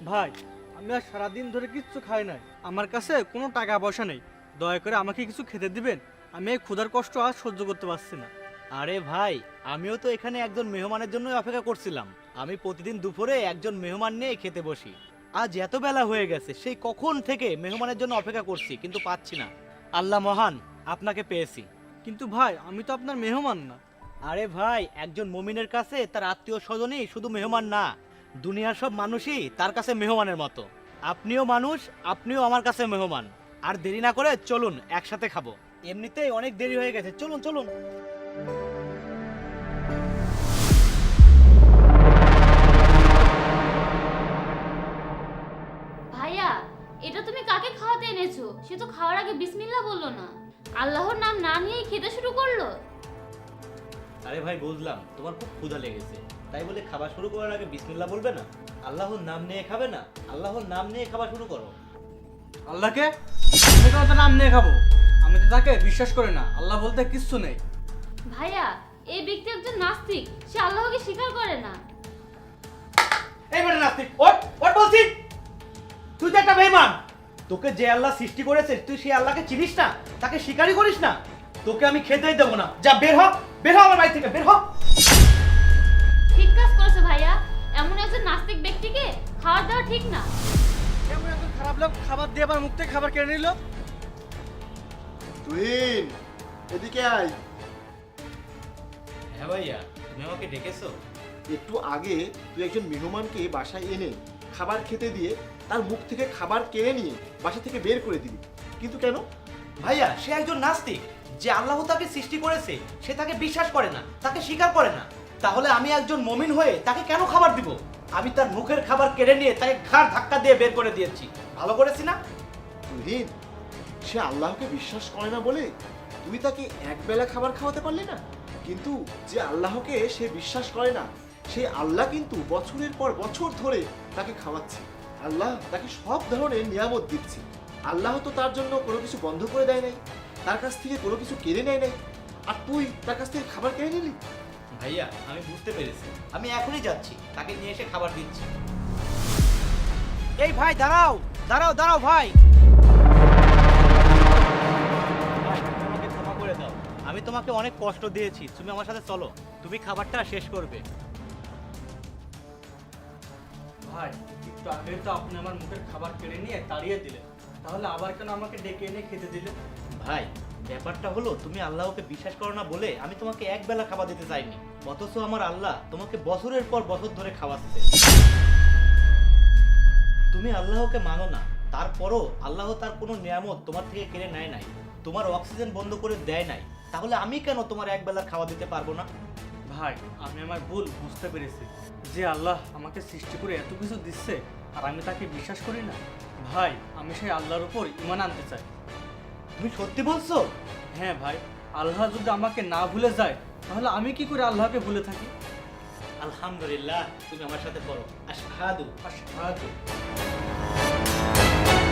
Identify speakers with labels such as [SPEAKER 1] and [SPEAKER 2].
[SPEAKER 1] ভাই, আমি আর সারাদিন ধরে কিচ্ছু খাই নাই, আমার কাছে কোনো টাকা পয়সা নেই, দয়া করে আমাকে কিছু খেতে দিবেন। আমি এই ক্ষুধার কষ্ট আর সহ্য করতে পারছি না।
[SPEAKER 2] আরে ভাই, আমিও তো এখানে একজন মেহমানের জন্য অপেক্ষা করছিলাম। আমি প্রতিদিন দুপুরে একজন মেহমান নিয়ে খেতে বসি। আজ এত বেলা হয়ে গেছে, সেই কখন থেকে মেহমানের জন্য অপেক্ষা করছি, কিন্তু পাচ্ছি না। আল্লাহ মহান, আপনাকে পেয়েছি।
[SPEAKER 1] কিন্তু ভাই, আমি তো আপনার মেহমান না।
[SPEAKER 2] আরে ভাই, একজন মুমিনের কাছে তার আত্মীয় স্বজনই শুধু মেহমান না, দুনিয়ার সব মানুষই তার কাছে মেহমানের মতো। আপনিও মানুষ, আপনিও আমার কাছে মেহমান। আর দেরি না করে চলুন, একসাথে খাবো। এমনিতেই অনেক দেরি হয়ে গেছে, চলুন চলুন।
[SPEAKER 3] ভাইয়া, এটা তুমি কাকে খাওয়াতে এনেছো? সে তো খাওয়ার আগে বিসমিল্লাহ বললো না, আল্লাহর নাম না নিয়েই খেতে শুরু করলো।
[SPEAKER 2] আরে ভাই, বুঝলাম তোমার খুব ক্ষুধা লেগেছে, তাই বলে খাবার শুরু করার আগে বিসমিল্লাহ বলবে না? আল্লাহর নাম নিয়ে খাবে না? আল্লাহর নাম নিয়ে খাবার শুরু করো।
[SPEAKER 1] আল্লাহকে আমি কেন তার নাম নিয়ে খাবো? আমি তো তাকে বিশ্বাস করি না, আল্লাহ বলতে কিচ্ছু নেই।
[SPEAKER 3] ভাইয়া, এই ব্যক্তি একজন নাস্তিক, সে আল্লাহকে স্বীকার করে না।
[SPEAKER 2] এইবারে নাস্তিক, ওঠ ওঠ বলছি। তুই তো একটা বেঈমান। তোকে যে আল্লাহ সৃষ্টি করেছে, তুই সেই আল্লাহকে চিনিস না, তাকে স্বীকারই করিস না। তোকে আমি খেতেই দেবো না। যা, বের হ, বের হ আমার বাড়ি থেকে, বের হ।
[SPEAKER 3] ঠিক কাজ করেছো ভাইয়া, এমন একজন নাস্তিক ব্যক্তিকে খাবার দেওয়া ঠিক না।
[SPEAKER 1] এমন একজন খারাপ লোক খাবার দিয়ে আবার মুখ থেকে খাবার কেড়ে নিল।
[SPEAKER 4] তুহিন, এদিকে আয়।
[SPEAKER 2] হ্যাঁ ভাইয়া, তুমি আমাকে ডেকেছো?
[SPEAKER 4] একটু আগে তুই একজন মেহমানকে বাসায় এনে খাবার খেতে দিয়ে তার মুখ থেকে খাবার কেড়ে নিয়ে বাসা থেকে বের করে দিবি, কিন্তু কেন?
[SPEAKER 2] ভাইয়া, সে একজন নাস্তিক। যে আল্লাহ তাকে সৃষ্টি করেছে, সে তাকে বিশ্বাস করে না, তাকে স্বীকার করে না। তাহলে আমি একজন মুমিন হয়ে তাকে কেন খাবার দিব? আমি তার মুখের খাবার কেড়ে নিয়ে তাকে ঘাড় ধাক্কা দিয়ে বের করে দিয়েছি। ভালো করেছি না?
[SPEAKER 4] তুহিন, সে আল্লাহকে বিশ্বাস করে না বলে তুই তাকে একবেলা খাবার খাওয়াতে পারলি না, কিন্তু যে আল্লাহকে সে বিশ্বাস করে না, সেই আল্লাহ কিন্তু বছরের পর বছর ধরে তাকে খাওয়াচ্ছে। আল্লাহ তাকে সব ধরনের নিয়ামত দিচ্ছে। আল্লাহ তো তার জন্য কোনো কিছু বন্ধ করে দেয় নাই, তার কাছ থেকে কোনো কিছু কেড়ে নেয় নাই, আর তুই তার কাছ থেকে খাবার কেড়ে নিলি।
[SPEAKER 2] ভাইয়া, আমি বুঝতে পেরেছি, আমি এখনই যাচ্ছি, তাকে নিয়ে এসে খাবার দিচ্ছি। এই ভাই, দাঁড়াও দাঁড়াও দাঁড়াও ভাই। ভাই, তুমি আমাকে ক্ষমা করে দাও। আমি তোমাকে অনেক কষ্ট দিয়েছি, তুমি আমার সাথে চলো, তুমি খাবারটা শেষ করবে।
[SPEAKER 1] ভাই, একটু আগে তো আপনি আমার মুখের খাবার কেড়ে নিয়ে তাড়িয়ে দিলেন, তাহলে আবার কেন আমাকে ডেকে এনে খেতে দিলেন?
[SPEAKER 2] ভাই, ব্যাপারটা হলো, তুমি আল্লাহকে বিশ্বাস করো না বলে আমি তোমাকে এক বেলা খাবার দিতে চাইনি, অথচ আমার আল্লাহ তোমাকে বছরের পর বছর ধরে খাওয়াচ্ছে। তুমি আল্লাহকে মানো না, তারপরও আল্লাহ তার কোনো নিয়ামত তোমার থেকে কেড়ে নেয় নাই, তোমার অক্সিজেন বন্ধ করে দেয় নাই। তাহলে আমি কেন তোমার এক বেলা খাওয়া দিতে পারবো না?
[SPEAKER 1] ভাই, আমি আমার ভুল বুঝতে পেরেছি, যে আল্লাহ আমাকে সৃষ্টি করে এত কিছু দিচ্ছে আর আমি তাকে বিশ্বাস করি না। ভাই, আমি সেই আল্লাহর উপর ঈমান আনতে চাই।
[SPEAKER 2] তুমি সত্যি বলছো?
[SPEAKER 1] হ্যাঁ ভাই, আল্লাহ যদি আমাকে না ভুলে যায়, তাহলে আমি কি করে আল্লাহকে ভুলে থাকি?
[SPEAKER 2] আলহামদুলিল্লাহ, তুমি আমার সাথে পড়ো, আশহাদু
[SPEAKER 1] আশহাদু।